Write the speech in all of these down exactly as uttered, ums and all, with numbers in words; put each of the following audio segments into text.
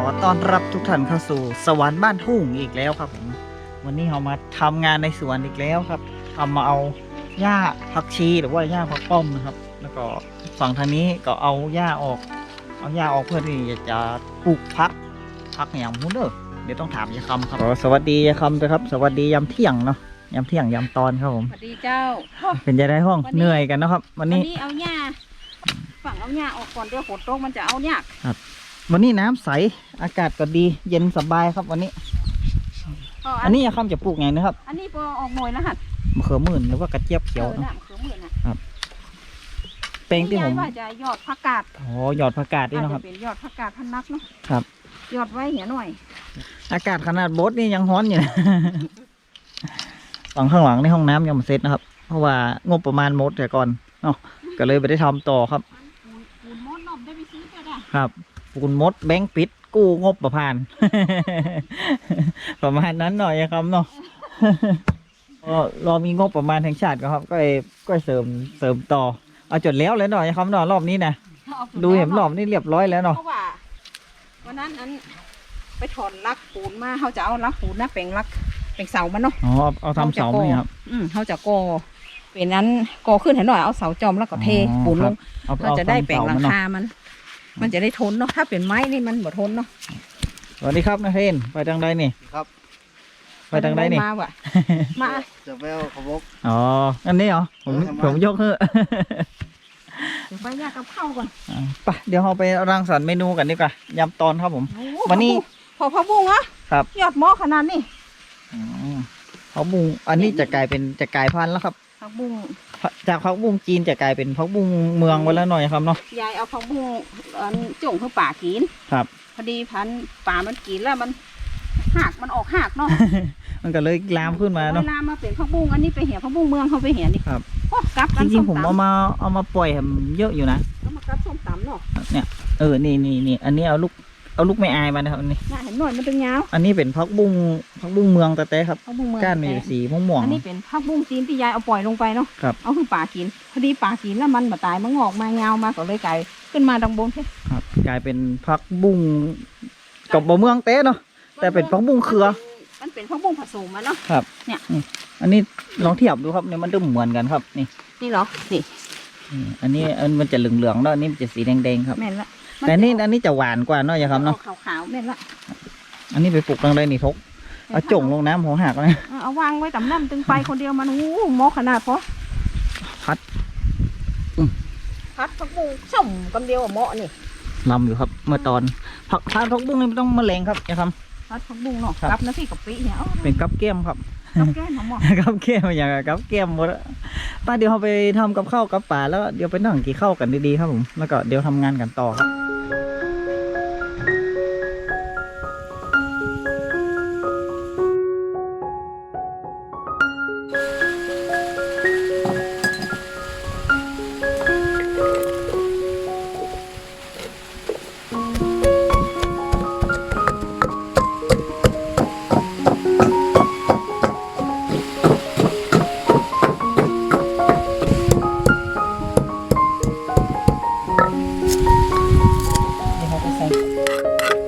ต้อนรับทุกท่านเข้าสู่สวรรค์บ้านทุ่งอีกแล้วครับผมวันนี้เรามาทำงานในสวนอีกแล้วครับทำมาเอาหญ้าผักชีหรือว่าหญ้าผักป้อมนะครับแล้วก็ฝั่งทางนี้ก็เอาหญ้าออกเอาหญ้าออกเพื่อที่จะปลูกพักพักอย่างมุ้นเด้อเดี๋ยวต้องถามยายคำครับสวัสดียายคำด้วยครับสวัสดียามเที่ยงเนาะยามเที่ยงยามตอนครับผมสวัสดีเจ้าเป็นจะได้ห้องเหนื่อยกันนะครับวันวันนี้นี้เอาหญ้าฝั่งเอาหญ้าออกก่อนเดี๋ยวฝนตกมันจะเอายากวันนี้น้ำใสอากาศก็ดีเย็นสบายครับวันนี้อ๋ออันนี้ยายคำจะปลูกไงนะครับอันนี้พอออกหน่วยแล้วฮะมะเขือมื่นหรือว่ากระเจี๊ยบเขียวเออเนาะน่ะคือหมื่นน่ะแปลงที่ผมยายว่าจะยอดผักกาดอ๋อหยอดผักกาดนี่อาจเนาะคจะรับเป็นยอดผักกาดพันนักเนาะครับยอดไว้เหี่ยหน่อยอากาศขนาดโบ๊ทนี่ยังร้อนอยู่นะ ฝั่งข้างหลังในห้องน้ำยังไม่เสร็จนะครับ เพราะว่างบประมาณหมดแต่ก่อนเนาะก็เลยไม่ได้ทำต่อครับปูนปูนมดนมได้ไปซื้อก็ได้ครับปูนมดแบงค์ปิดกู้งบประมาณ ประมาณนั้นหน่อยครับเนาะ ก็รอมีงบประมาณแห่งชาติก็ครับ ก็เลยก็เสริมเสริมต่อเอาจดแล้วเลยหน่อยครับเนาะรอบนี้นะเอาไปดูเห็นรอบนี้เรียบร้อยแล้วเนาะเพราะว่าวันนั้นอันไปถอนลักปูนมาเขาจะเอาลักปูนนะแปลงลักแปลงเสามันเนาะอ๋อเอาเอาทำเสาไหมครับอืมเขาจะก่อเป็นนั้นก่อขึ้นเห็นหน่อยเอาเสาจอมแล้วก็เทอ๋อปูนลงเอาเราจะได้แปลงหลังเสคามัน มันจะได้ทนเนาะ ถ้าเป็นไม้นี่มันบ่ทนเนาะสวัสดีครับนาเทนไปทางใดนี่ครับไปทางใดนี่มาว่ะ มาจะไปเอาขบกอ๋ออันนี้เหรอผมเออทำไมผมยกเฮ้อะเดี๋ยวไปยากกับข้าวก่อนอ่าไปเดี๋ยวเราไปรังสรรค์เมนูกันดีกว่ายำตอนครับผมโอ้วันนี้พอพะบุ้งเหรอครับยอดหม้อขนาดนี้อืมผักบุ้งอันนี้จะกลายเป็นจะกลายพันธุ์แล้วครับผักบุ้งจากผักบุ้งจีนจะกลายเป็นผักบุ้งเมืองไปแล้วหน่อยครับเนาะยายเอาผักบุ้งอันจุ่งเข้าป่ากินครับพอดีพันธุ์ป่ามันกินแล้วมันหักมันออกหักเนาะมันก็เลยลามขึ้นมาเนาะเวลามาเป็นผักบุ้งอันนี้ไปเหี่ยผักบุ้งเมืองเขาไปเหี่ยนี่ครับโอ้กลับจกันริส้งมๆผมตำเอามาเอามาปล่อยให้มันเยอะอยู่นะเอามากลับส้มตำเนาะเนี่ยเออนี่นี่นี่อันนี้เอาลูกเอาลูกไม่อายมานะครับอันนี้น่าเห็นหน่อยมันเป็นยาวอันนี้เป็นผักบุ้งผักบุ้งเมืองแต่แต่ครับผักบุ้งเมืองก้านมีสีม่วงอันนี้เป็นผักบุ้งจีนที่ยายเอาปล่อยลงไปเนาะครับเอาคือป่ากิน พอดีป่ากินแล้วมันมาตายมันงอกมายาวมาก็เลยกลายขึ้นมาดังบนแค่ๆครับกลายเป็นผักบุ้งกับบะเมืองเต้เนาะ แต่เป็นผักบุ้งเครือมันเป็นผักบุ้งผสมมาเนาะครับเนี่ยนี่อันนี้ลองเทียบดูครับเนี่ยมันดูเหมือนกันครับนี่นี่เหรอ นี่นี่อันนี้อันมันจะเหลืองๆแล้วอันนี้มันจะสีแดงๆครับแม่นละแต่นี่อันนี้จะหวานกว่าเนาะอย่าครับเนาะขาวๆแม่นละอันนี้ไปปลูกตรงใดนี่ทกเอาจ่งลงน้ำหัวหักเลยเอาเอาวางไว้ต่ำน้ำตึงไปคนเดียวมันโอ้โหหมอขนาดพอพัดพัดผักบุ้งส้มกันเดียวอะเหมาะนี่ลำอยู่ครับ เมื่อตอนผักทานผักบุ้งนี่ไม่ต้องแมลงครับอย่าครับพัดผักบุ้งเนาะครับกับน้ำพริกกะปิเนี่ยเอาเป็นกับแก้มครับกับแก้มหอมกับแก้มอย่างกับแก้มหมดอะป้าเดี๋ยวเราไปทำกับข้าวกับป่าแล้วเดี๋ยวไปนั่งกินข้าวกันดีๆครับผมแล้วก็เดี๋ยวทำงานกันต่อครับเดี๋ยวเราไปใส่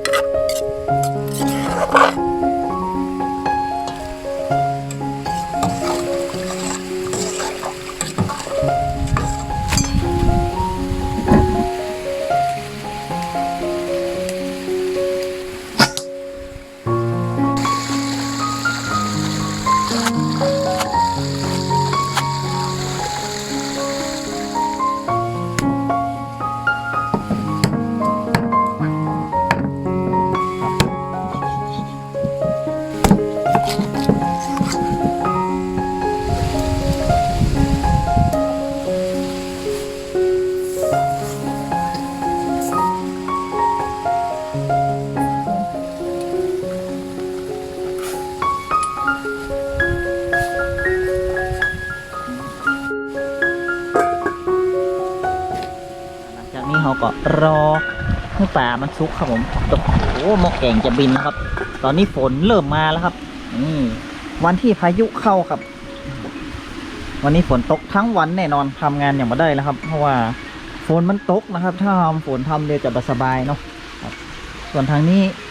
หลังจากนี้เราก็รอให้ป่ามันสุกครับผมโอ้โหหม้อแกงจะบินแล้วครับ ตอนนี้ฝนเริ่มมาแล้วครับนี่วันที่พายุเข้าครับ วันนี้ฝนตกทั้งวันแน่นอนทำงานอย่างไม่ได้แล้วครับ เพราะว่าฝนมันตกนะครับ ถ้าทำฝนทำเดี๋ยวจะบสบายเนาะครับส่วนทางนี้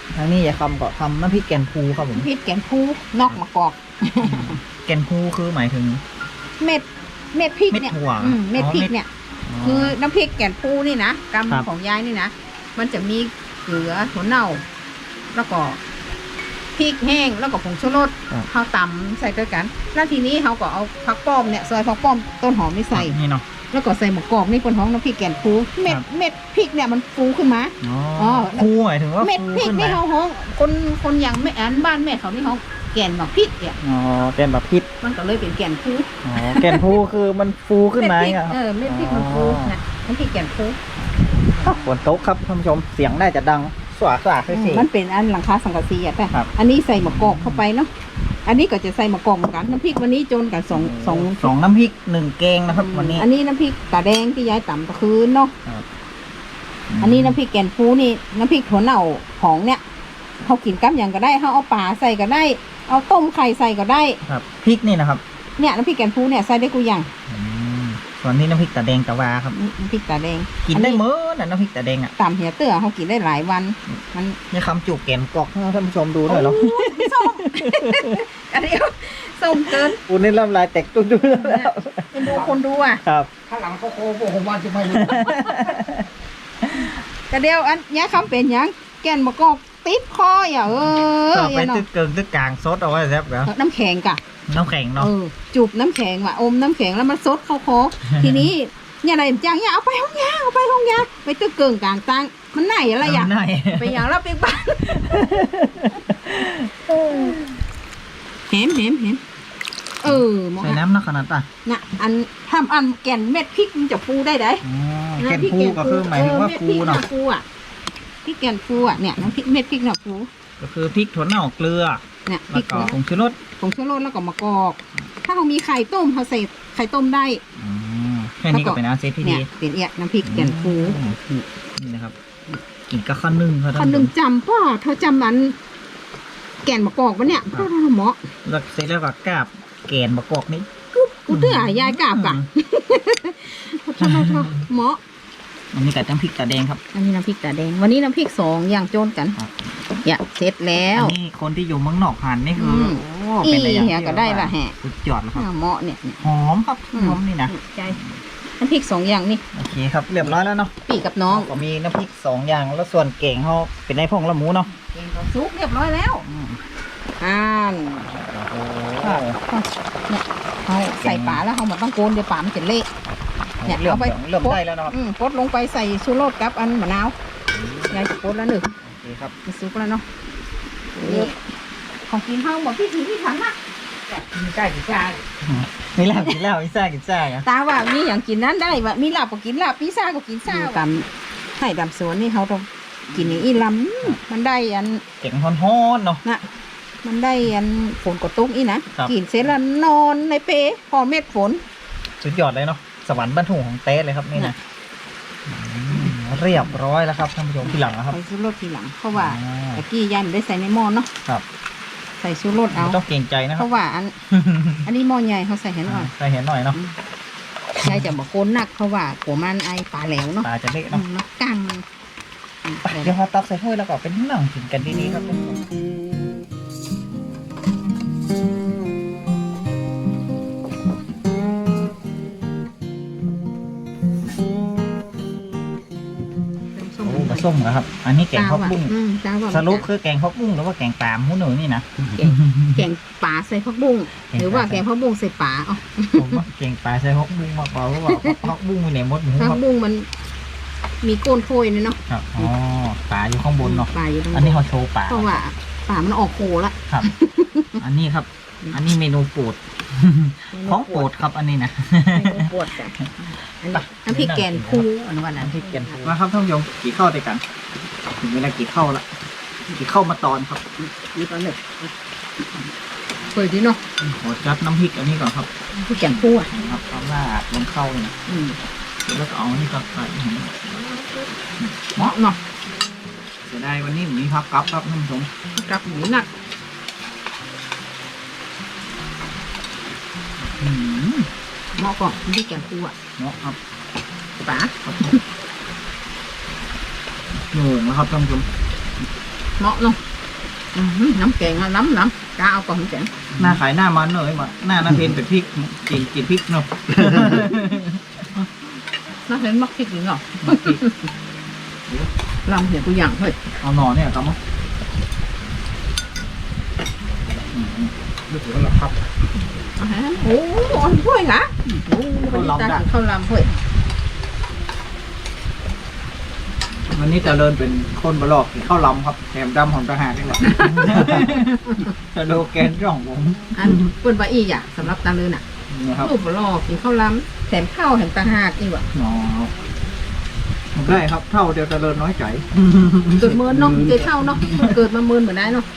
ทางนี้อย่าคำก็ทำน้ำพริกแกนพูครับผมน้ำพริกแกนพูนอกมะกอกแกนพูคือหมายถึงเม็ดเม็ดพริกเนี่ยเม็ดถั่วอืมเม็ดอ๋อพริกเม็ดเนี่ย คือน้ำพริกแกนพูนี่นะกครับำของยายนี่นะมันจะมีเกลือถั่วเน่า แล้วก็พริกแห้งแล้วก็ผงชูรสเขาตำใส่ด้วยกัน แล้วทีนี้เขาก็เอาผักป้อมเนี่ยซอยผักป้อมต้นหอมนี่ใส่นี่เนาะแล้วก็ใส่หมะกอกนี่เป็นท้องน้ำพริกแกนฟูเม็ดครับเม็ดพริกเนี่ยมันฟูขึ้นมาอ๋ออ๋อพูหมายถึงว่าเม็ดฟูพริกขึ้นนี่มาเขาห้องคนคนอย่างแม่อันบ้านแม่เขานี่เขาแกนหมกพริกเนี่ยอ๋อแกนแบบพริกมันก็เลยเป็นแกนฟูอ๋อแกนพูคือมันฟูขึ้นมาเม็ดพริกเนี่ยครับเออเม็ดพริกมันฟูอ๋อนะน้ำพริกแกนฟูฝนตกครับท่านผู้ชมเสียงน่าจะดังสว่างสว่างอืมเสียงมันเป็นอันหลังคาสังกะสีอ่ะแต่ครับอันนี้ใส่หมะกอกเข้าไปเนาะอันนี้ก็จะใส่หมะกอกเหมือนกันน้ำพริกวันนี้โจนกับสองสองสองน้ำพริกหนึ่งแกงนะครับวันนี้อันนี้น้ำพริกตาแดงที่ยายต่ำตะคืนเนาะครับอันนี้น้ำพริกแกนฟูนี่น้ำพริกถั่วเน่าของเนี่ยเขากินกับอย่างก็ได้เขาเอาปลาใส่ก็ได้ เอาต้มไข่ใส่ก็ได้ครับพริกนี่นะครับเนี่ยน้ำพริกแกนฟูเนี่ยใส่ได้กูอย่างอืมส่วนนี้น้ำพริกตาแดงตะวาครับน้ำพริกตาแดงกินได้เมื่อน่ะน้ำพริกตาแดงอ่ะตามเหียเตื้อเขากินได้หลายวัน มันนี่คำจูบแกนกรอกให้ท่านผู้ชมดูหน่อยเหรอโอ้ยส้ม อันนี้ส้มเกินคุณนี่ลำลายแตกตุ้นๆแล้วเป็นดูคนดูอ่ะครับข้างหลังเขาโค้งผมว่าจะไม่รู้กระเดียวอันเนี้ยคำเป็นหยังแกนมะกอกติดคออย่าเออก็อไปย่าเนาะตึกเกิงตึกกลางซดเอาไว้แซ่บเหรอน้ำแข็งกะน้ำแข็งเนาะเออจูบน้ำแข็งว่ะอมน้ำแข็งแล้วมันซดเข้าคอ ทีนี้เนี่ยอะไรจังเนี่ยเอาไปห้องยาเอาไปห้องยาไปตึกเกิงกลางตังมันไหนอะไรอย่างไหนไปอย่างแล้วไปบ้านเห็นเห็นเห็นเออหมอใส่น้ำนักขนาดอ่ะน่ะอันทำอันแก่นเม็ดพริกมันจะฟูได้ไดอ๋อแกนพูก็คือหมายถึงว่าฟูเนาะม็ดพริกฟูอ่ะพริกแกนฟูอ่ะเนี่ยน้ำพริกเม็ดพริกน่ะฟูก็คือพริกถั่วเน่าเกลือเนี่ยพแล้ริวกก็ผงชูรสผงชูรสแล้วก็มะกอก ถ้าเขามีไข่ต้มเขาใส่ไข่ต้มได้อืมแค่นี้ก็เป็นอาเซฟที่เนี่ดียเป็นเอียน้ำพริกแกนฟูอืมนี่นะครับกินกับข้าวนึ่งครับคนหนึ่งจำป่ะเธอจำนั้นแกนมะกอกปะเนี่ยพ่อทำหมอแล้วเสร็จแล้วก็กาบแกนมะกอกนี่กูเตื้อยายกราบกะโทษโทษโทษหมออันนี้กับน้ำพริกตาแดงครับอันนี้น้ำพริกตาแดงวันนี้น้ำพริกสองอย่างโจนกันครับอย่าเสร็จแล้วอันนี้คนที่อยู่เมืองนอกหันนี่คืออมโอ้เป็นอะไรอย่างอีเหี้ยก็ได้ละแฮะสุดยอดแล้วครับอ่าหมอเนี่ยเนี่ยหอมครับอืมหอมนี่นะใจน้ำพริกสองอย่างนี่โอเคครับเรียบร้อยแล้วเนาะปีกับน้องก็มีน้ำพริกสองอย่างแล้วส่วนเก่งเขาเป็นในพงละหมูเนาะเก่งกับซุปเรียบร้อยแล้วอืมอ่านโอ้เนี่ยเขาใส่ปลาแล้วเขาหมดต้องโกนเดี๋ยวปลามันจะเละ เนี่ยเริ่มเอาไปเริ่มได้แล้วนะครับอืมกดลงไปใส่ชูรสกับอันมะนาว ยายจะกดแล้วหนึ่งโอเคครับมันซุปแล้วเนาะนี่ของกินห้องบอกพี่ถีพี่ถังนะกินใกล้กินใกล้นี่แล้วกินแล้วพิซซ่ากินซ่าอ่ะตาว่ามีอย่างกินนั้นได้ว่ามีลาบก็กินลาบพิซซ่าก็กินซ่าตามให้ดำสวนนี่เขาต้องกินอย่างอีลำมันได้อันเก่งฮ้อนๆเนาะน่ะมันได้อันฝนกดตุ้งอีนะครับ กินเสร็จแล้วนอนในเปพอเม็ดฝนสุดยอดเลยเนาะสวรรค์บรรทุกของเต้เลยครับนี่นะอืมเรียบร้อยแล้วครับท่านผู้ชมที่หลังนะครับใส่ชูรสทีหลังเพราะว่าอ่าตะกี้ยายไม่ได้ใส่ในหม้อเนาะครับใส่ชูรสเอาไม่ต้องเกรงใจนะคเพรับราะว่าอัน อันนี้หม้อใหญ่เขาใส่ให้หน่อยใส่เห็นหน่อยเนาะยายจะบอกโคนหนักเพราะว่าหัวมันไอปลาแหลวเนาะตาจะเละอืเนาะมแล้วกังอืมไปเดี๋ยวเราตักใส่ถ้วยแล้วก็เป็นหนังกินกันดีๆครับท่านผู้ชมโอ้มาส้มนะครับ อันนี้แกงตาข้าวว่ะปุ้งอืมตาว่าสรุปคือแกงข้าวปุ้งหรือว่าแกงปลาหมูหนูนี่นะแกงปลาใส่ผักบุ้งแกงปลาหรือว่าแกงผักบุ้งใส่ปลาอ๋อผมว่าแกงปลาใส่ข้าวปุ้งมากกว่าเพราะว่าข้าวปุ้งมีไหนมดหมูคผัรักบบุ้งมันมีโกนโพยเนี่ยเนาะครับอ๋อปลาอยู่ข้างบนเนาะปลาอยู่ตรงอันนี้เขาโชว์ปลาเพราะว่าปลามันออกโคละครับ อันนี้ครับ อันนี้เมนูโปรดของโปรดครับอันนี้นะเมนูปวดจ้ะอันนี้น้ำพริกแกงคูอันวันนั้นน้ำพริกแกงมาครับท่านผู้ชมกี่ข้าวด้วยกันถึงเวลากี่ข้าวละกี่ข้าวมาตอนครับนี่ก็หนึ่งเปิดดิเนาะขอจัดน้ำพริกอันนี้ก่อนครับน้ำพริกแกงคูอ่ะครับเอาลาดลงเข้าเลยนะอืมแล้วก็เอาอันนี้ก็ใส่เหมาะเนาะเสียดายวันนี้ผมมีพักกับครับท่านผู้ชมกลับหมูหนักอืมเหมาะก่อนน้ำพริกแกงคูอ่ะเนาะครับปลาครับโหน่งแล้วครับท่านผู้ชมเหมาะเนาะอื้อหือน้ำแกงอะน้ำน้ำกาเอาก่อนน้ำแกงหน้าขายหน้ามันเลยมาหน้าหน้าเพนเป็นพริกกินกินพริกเนาะน่าเห็นมักพริกหรือเนาะมาพริกลำเห็นตัวอย่างเฮ้ยเอาหน่อเนี่ยครับมั้งนึกถึงแล้วครับอาหารโอ้โหอ่อนถ้วยค่ะโอ้โหวันนี้ตากินข้าวลำเฮ้ยวันนี้จะเลินเป็นคนบลอกกินข้าวลำครับแถมดำของทหารนี่แหละ สโลแกนของผมอันเปิ้นว่าอีอ่ะสำหรับตาเลินอ่ะนะครับรูปบ่ลอกกินข้าวลำแถมข้าวแถมตาหากอีกว่ะอ๋อได้ครับเท่าเดียวจะเลินน้อยใจเกิดเมินเนาะเจเท่าเนาะเกิดมาเมินเหมือนได้เนาะ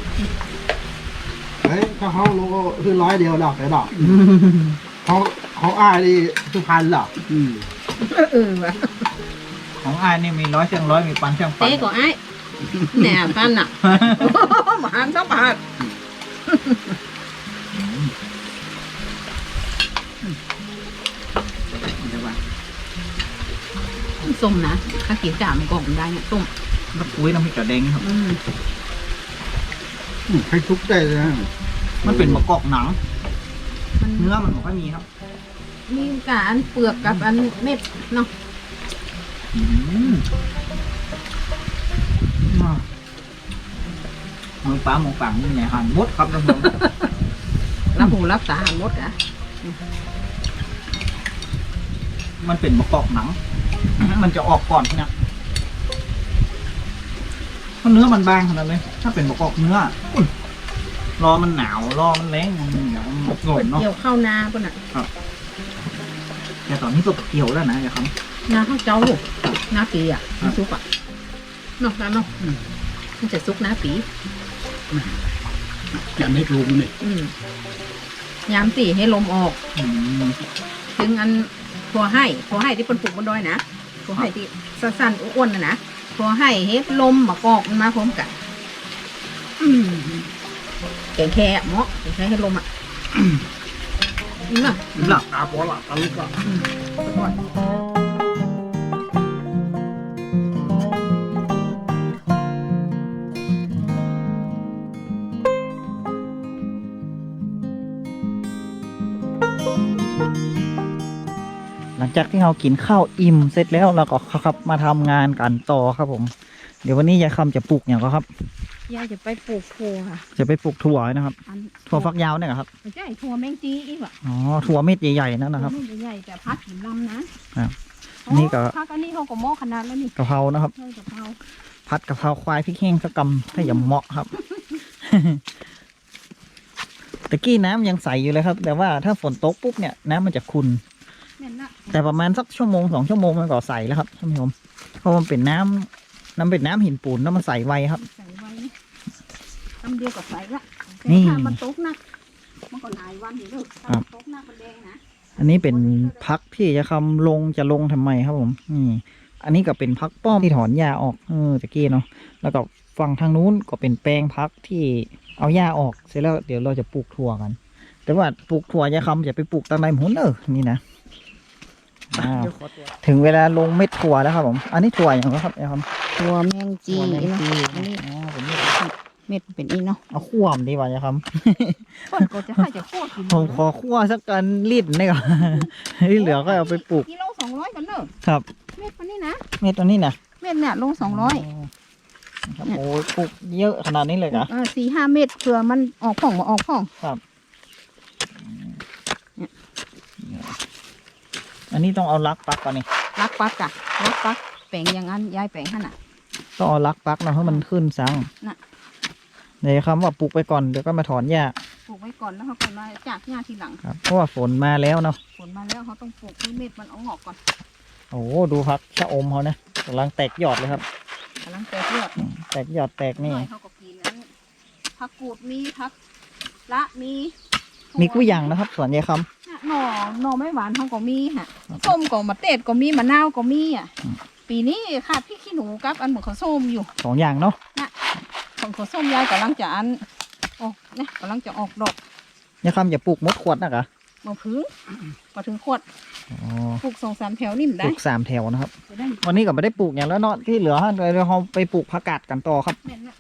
เฮ้ยถ้าเขาโลก็คือร้อยเดียวดอกแต่ดอกเขาเขาอ้ายนี่คือพันหรอกอืมเออว่ะของอายนี่มีร้อยเชียงร้อยมีปันเชียงปันเต้ก็ไอ้แหน่ปันอ่ะหมาหันสักบาทส้มนะถ้ากินจ่ามันก็ได้เนี่ยส้มแล้วปุ้ยน้ำพริกกระเด้งครับอืมอืมให้ทุกได้เลยนะมันเป็นมะกอกหนังมันเนื้อมันไม่ค่อยมีครับมีการเปลือกกับอันเม็ดเนาะอืมอ่ามือป้าหมูปังนี่ไงหันมดครับท่านผู้ชมรับหูรับตาหมดอ่ะมันเป็นมะกอกหนัง มันจะออกก่อนนะเพราะเนื้อมันบางขนาดเลยถ้าเป็นมะกอกเนื้ออุ๊ยรอมันหนาวรอมันแรงมันเหนียวมันหล่นเนาะเกี่ยวข้าวนาป่ะน่ะแต่ตอนนี้ก็เกี่ยวแล้วนะอย่าครับนาข้าวเจ้าลูกนาปีอ่ะมันซุกอ่ะเนาะแล้วเนาะอืมมันจะซุกนาปีอย่าไม่รู้นี่อืมยามตีให้ลมออกอืมถึงอันทัวให้ทัวให้ที่เป็นปลูกบนดอยนะทัวให้ที่สั้นๆอ้วนๆนะนะทัวให้เฮ็ดลมมากอกมันมาพร้อมกันอืมแกงแค่เหมาะแกงแค่ให้ลมอ่ะนี่มั้งหลับตาปอละตาลุกละอืมอร่อยหลังจากที่เรากินข้าวอิ่มเสร็จแล้วเราก็ครับมาทำงานกันต่อครับผม เดี๋ยววันนี้ยายคำจะปลูกอย่างก็ครับยายจะไปปลูกถั่วค่ะจะไปปลูกถั่วนะครับอันถั่วฟักยาวเนี่ยเหรอครับไม่ใช่ถั่วแมงจีอีกว่ะอ๋อถั่วเม็ดใหญ่ๆนั่นนะครับถั่วไม่ใหญ่ๆแต่พัดหินลำนะครับอันนี้ก็พักอันนี้เขาก็หม้อขนาดแล้วนี่กะเพรานะครับเท่ากะเพราผัดกะเพราควายพริกแห้งสักกำถ้าอย่าเหมาะครับ ตะกี้น้ำยังใสอยู่เลยครับ แต่ว่าถ้าฝนตกปุ๊บเนี่ยน้ำมันจะขุ่นแม่นละแต่ประมาณสักชั่วโมงสองชั่วโมงมันก็ใสแล้วครับท่านผู้ชมเพราะมันเป็นน้ำน้ำเป็นน้ำหินปูนแล้วมันใสไวครับใส่ไว้นี่ทำเดียวกับใส่ละนี่แต่ถ้ามันตกหนักมันก็หลายวันอยู่เด้อถ้ามันตกหนักมันแดงนะอันนี้เป็นพักที่จะคำลงจะลงทำไมครับผมนี่อันนี้ก็เป็นพักป้อมที่ถอนหญ้าออกเออตะกี้เนาะแล้วก็ฝั่งทางนู้นก็เป็นแปลงพักที่เอาหญ้าออกเสร็จแล้วเดี๋ยวเราจะปลูกถั่วกัน แต่ว่าปลูกถั่วยายคำจะไปปลูกตั้งในหมุนเออนี่นะอ้าวถึงเวลาลงเม็ดถั่วแล้วครับผม อันนี้ถั่วอย่างไรครับยายคำถั่วแมงจีถั่วแมงจีอันนี้อ๋อผมนี่เม็ดเป็นอีเนาะเอาขั้วมนดีกว่ายายคำคนก็จะให้จะโคตรกินผมขอคั่วสักกันลิตรนี่ก่อน ที่เหลือก็เอาไปปลูกกิโลสองร้อยกันเนอะครับเม็ดมันนี่นะเม็ดตัวนี้นะเม็ดเนี่ยโลสองร้อยครับโอ้ยปลูกเยอะขนาดนี้เลยเหรอเออสี่ห้าเม็ดเผื่อมันออกผ่องมาออกผ่องครับอันนี้ต้องเอาลักปักก่อนนี่รักปักกะรักปักแปลงอย่างนั้นยายแปลงขนาดต้องเอาลักปักเนาะให้มันขึ้นสังน่ะเดี๋ยวคำว่าปลูกไปก่อนเดี๋ยวก็มาถอนหญ้าปลูกไว้ก่อนแล้วเขาก็มาจากหญ้าทีหลังครับเพราะว่าฝนมาแล้วเนาะผลมาแล้วเขาต้องปลูกให้เม็ดมันเอางอกก่อนโอ้โหดูพักชะอมเขานะกำลังแตกยอดเลยครับกำลังแตกยอดแตกยอดแตกนี่หน่อยเขาก็กินนั้นผักกูดมีผักละมีมีกุ้ยยางนะครับสวนยายคน่ะหน่อหน่อไม้หวานเขาก็มีฮะส้มก็มะเตดก็มีมะนาวก็มีอ่ะอืมปีนี้ขาดพริกขี้หนูกับอันเหมือนข้าวส้มอยู่ำสองอย่างเนาะของข้าวส้มยายกำลังจะอันโอ้เนี่ยกำลังจะออกดอกยายคำอย่าปลูกมดขวดนะกะมาพึ่งมาถึงขวดอ๋อปลูกสองสามแถวนี่มันปได้ลูกสามแถวนะครับจะได้วันนี้ก็ไม่ได้ปลูกอย่างแล้วเนาะที่เหลือเดี๋ยวเราไปปลูกผักกาดกันต่อครับแม่นนะ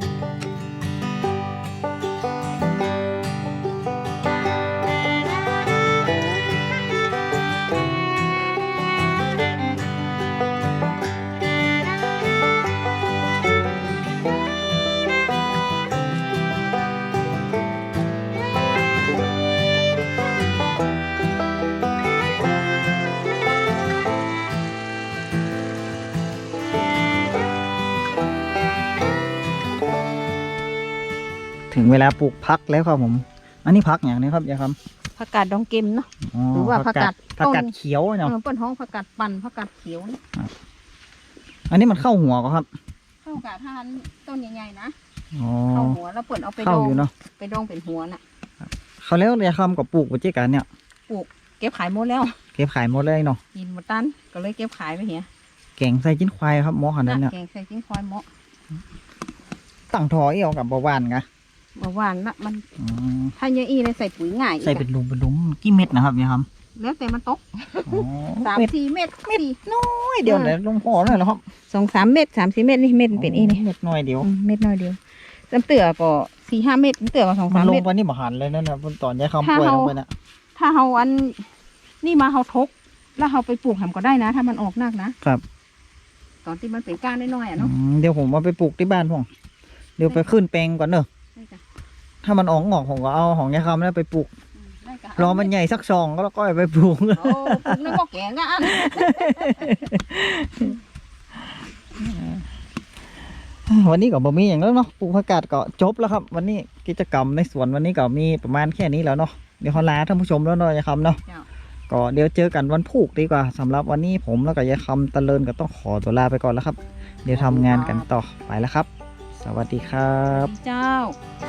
ถึงเวลาปลูกพักแล้วครับผม อันนี้พักอย่างนี้ครับยายคผักกาดดองเกมเนาะำอ๋อหรือว่าผักกาดผักกาดต้นเขียวเอเนาะอเปิ้นห้องผักกาดปั่นผักกาดเขียวเนี่ยอันนี้มันเข้าหัวก็ครับเข้ากาดทานต้นใหญ่ๆนะอ๋อเข้าหัวแล้วเปิ้นเอาไปเข้าดองอยู่เนาะไปดองเป็นหัวน่ะเขาแล้วยายคำกับปลูกปัจจุบันเนี่ยเก็บขายหมดแล้วเก็บขายหมดเลยเนาะกินหมดตันก็เลยเก็บขายไปเหียแกงใส่จิ้นควายครับหมอขนาดนั้นเนี่ยแกงใส่จิ้งควายเหมาะตั้งทอเอี่ยวกับเบาหวานกะเมื่อวานละมันอืมถ้าเยอะอีเลยใส่ปุ๋ยง่ายอีกใส่เป็นหลุมเป็นหลุมกี่เม็ดนะครับยายคำแล้วแต่มันตกอ๋อสามเม็ดสี่เม็ดสี่น้อยเดียวเลยลงพอเลยเหรอครับสองสามเม็ดสามสี่เม็ดนี่เม็ดมันเป็นอีนี่เม็ดน้อยเดียวอืมเม็ดน้อยเดียวจำเตือก็สี่ห้าเม็ดจำเตือก็สองมัสาน มลงเม็ดไปนี่บ่หันเลยนั่นนะตอนยายคำถ้าป่วยเราลงไปน่ะถ้าเฮาอันนี่มาเฮาทก แล้วเฮาไปปลูกทำก็ได้นะ ถ้ามันออกนักนะครับ ตอนที่มันเป็นก้านน้อยๆอ่ะอืเนาะมเดี๋ยวผมเอาไปปลูกที่บ้านผมเดี๋ยวไปขึ้นแปลงก่อนเนอะได้จ้ะถ้ามันออกงอกผมก็เอาของยายคำแล้วไปปลูกอืมได้จ้ะรอมันใหญ่สักซองก็แล้วก็เอาไปปลูกโอ้ปลูกในหม้อแกงอ่ะอันวันนี้ก็บ่มีอย่างแล้วเนาะปลูกผักกาดก็จบแล้วครับ วันนี้กิจกรรมในสวนวันนี้ก็มีประมาณแค่นี้แล้วเนาะเดี๋ยวขอลาท่านผู้ชมแล้วเนาะยายคำเนาะเจ้าก็เดี๋ยวเจอกันวันพุธดีกว่าสำหรับวันนี้ผมแล้วก็ยายคำตะเลินก็ต้องขอตัวลาไปก่อนแล้วครับ เดี๋ยวทำงานกันต่อไปแล้วครับ สวัสดีครับเจ้า